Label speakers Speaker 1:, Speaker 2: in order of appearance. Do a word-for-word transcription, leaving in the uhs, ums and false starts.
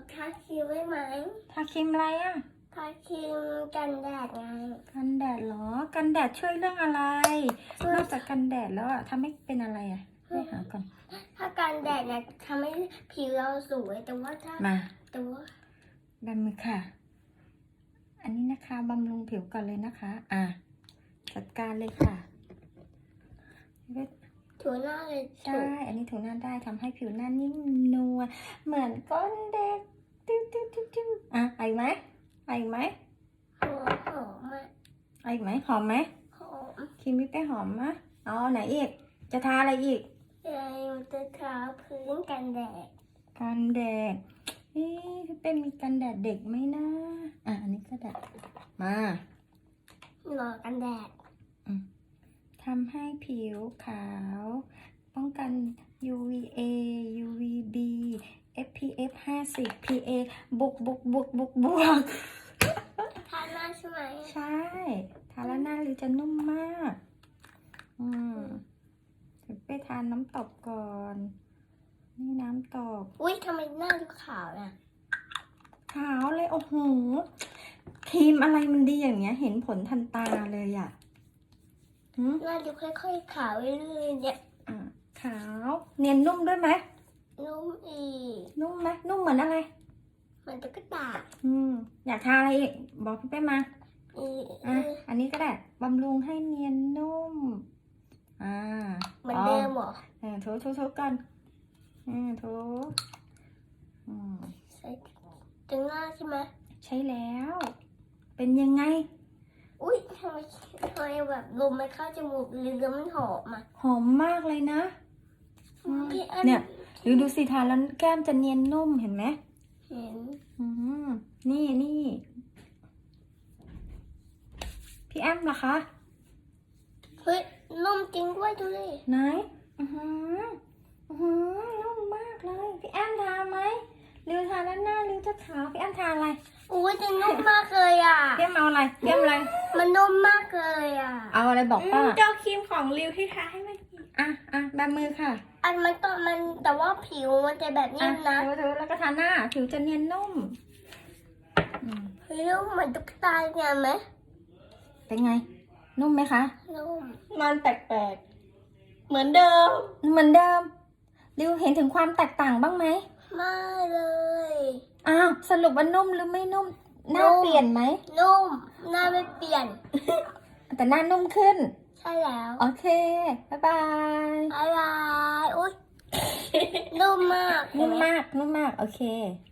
Speaker 1: ทาครีมไว้ไหม
Speaker 2: ทาครีมอะไรอ่ะ
Speaker 1: ทาครีมกันแดดไง
Speaker 2: กันแดดเหรอ กันแดดช่วยเรื่องอะไร
Speaker 1: ช่วย
Speaker 2: นอกจากกันแดดแล้วอ่ะทำให้เป็นอะไรอ่ะไม่หาก่อน
Speaker 1: ถ้ากันแดดเนี่ยทำให้ผิวเราสวยแต่ว่าถ้า
Speaker 2: มา
Speaker 1: แต่ว่า
Speaker 2: ดำมือค่ะ อันนี้นะคะบำรุงผิวก่อนเลยนะคะ อ่ะจัดการเลยค่ะ
Speaker 1: ถูหน้าเลยถู
Speaker 2: ได้ อันนี้ถูหน้าได้ทำให้ผิวหน้านิ่มนวลเหมือนก้อนเด็กติ้วติ้วติ้วติ้วอ่ะเอาอีกไหมเอาอีกไหม
Speaker 1: หอมหอมอะ
Speaker 2: เอาอีกไหมหอมไหม
Speaker 1: หอม
Speaker 2: ครีมวิปเป้หอมมะเอาไหนอีก จะทาอะไรอีก
Speaker 1: ยายมันจะทาพื้นกันแดด
Speaker 2: กันแดดเอ๊ะพี่เป้มีกันแดดเด็กไหมนะอ่ะอันนี้ก็แดดมา
Speaker 1: หล่อกันแดด
Speaker 2: ทำให้ผิวขาว ป้องกัน ยู วี เอ ยู วี บี เอฟ พี เอฟ ห้าสิบ พี เอ บวกบวกบวกบวกบวก
Speaker 1: ทาหน้าใช่ไหม
Speaker 2: ใช่ ทาแล้วหน้าลิวจะนุ่มมาก อืมถึงไปทานน้ำตบก่อน นี่น้ำตบ
Speaker 1: อุ้ยทำไมหน้าดูขาวน่ะ
Speaker 2: ขาวเลย โอ้โห ครีมอะไรมันดีอย่างเงี้ย เห็นผลทันตาเลยอ่ะหืม
Speaker 1: หน้าดูค่อยๆขาวเรื่อยๆเนี่ย
Speaker 2: อ่ะขาว เนียนนุ่มด้วยไหม
Speaker 1: นุ่มอีก
Speaker 2: นุ่มไหมนุ่มเหมือนอะไร
Speaker 1: มันจะกระตาก
Speaker 2: อืม อยากทาอะไรอีก บอกพี่เป้มา
Speaker 1: อีก
Speaker 2: อ่ะ อันนี้ก็ได้ บำรุงให้เนียนนุ่ม อ่า
Speaker 1: เหมือนเดิมเหรอ
Speaker 2: เออถูถูถูกันอืมถูอืม
Speaker 1: ใส่ถึงหน้าใช่ไหม
Speaker 2: ใช่แล้ว เป็นยังไง
Speaker 1: อุ้ยทำไมทำไมแบบลมมันเข้าจมูกหรือมันหอมอ่ะ
Speaker 2: หอมมากเลยนะอืม
Speaker 1: พี่อัน
Speaker 2: เนี่ยดูดูสิทาแล้วแก้มจะเนียนนุ่มเห็นไหม
Speaker 1: เห็น
Speaker 2: อืมนี่นี่พี่แอมล่ะคะ
Speaker 1: เฮ้ยนุ่มจริงด้วยดูดิ
Speaker 2: ไหนอือหืออือหือนุ่มมากเลย พี่แอมทาไหมริวทาแล้วหน้าริวจะขาวพี่แอมทาอะไร
Speaker 1: อุ้ยจะนุ่มมากเลยอ่ะ
Speaker 2: พี่แอมเอาอะไรพี่แอมอะไร
Speaker 1: มันนุ่มมากเลยอ่ะ
Speaker 2: เอาอะไรบอกป้า
Speaker 3: เจ้าครีมของริวที่ทาให้มัน
Speaker 2: อ่ะอ่ะแบบมือค่ะ
Speaker 1: อันมันต้องมันแต่ว่าผิวมันจะแบบ
Speaker 2: อ่ะ
Speaker 1: นิ่มนะ
Speaker 2: ถูถูแล้วก็ทาหน้าผิวจะเนียนนุ่มอืม
Speaker 1: เฮ้ยนุ่มเหมือนตุ๊กตาเนี่ยไหม
Speaker 2: เป็นไง นุ่มไหมคะ
Speaker 1: นุ่ม
Speaker 3: มันแปลกๆ เหมือนเดิม
Speaker 2: เหมือนเดิมริวเห็นถึงความแตกต่างบ้างไหม
Speaker 1: ไม่เลย
Speaker 2: อ้าวสรุปว่านุ่มหรือไม่นุ่ม หน้า
Speaker 1: นุ่ม
Speaker 2: เปลี่ยนไหม
Speaker 1: นุ่มหน้าไม่เปลี่ยน
Speaker 2: แต่หน้านุ่มขึ้น
Speaker 1: ใช่แล้ว
Speaker 2: โอเค บ๊ายบาย
Speaker 1: อะไรอุ้ย นุ่มมาก
Speaker 2: นุ่มมาก นุ่มมาก โอเค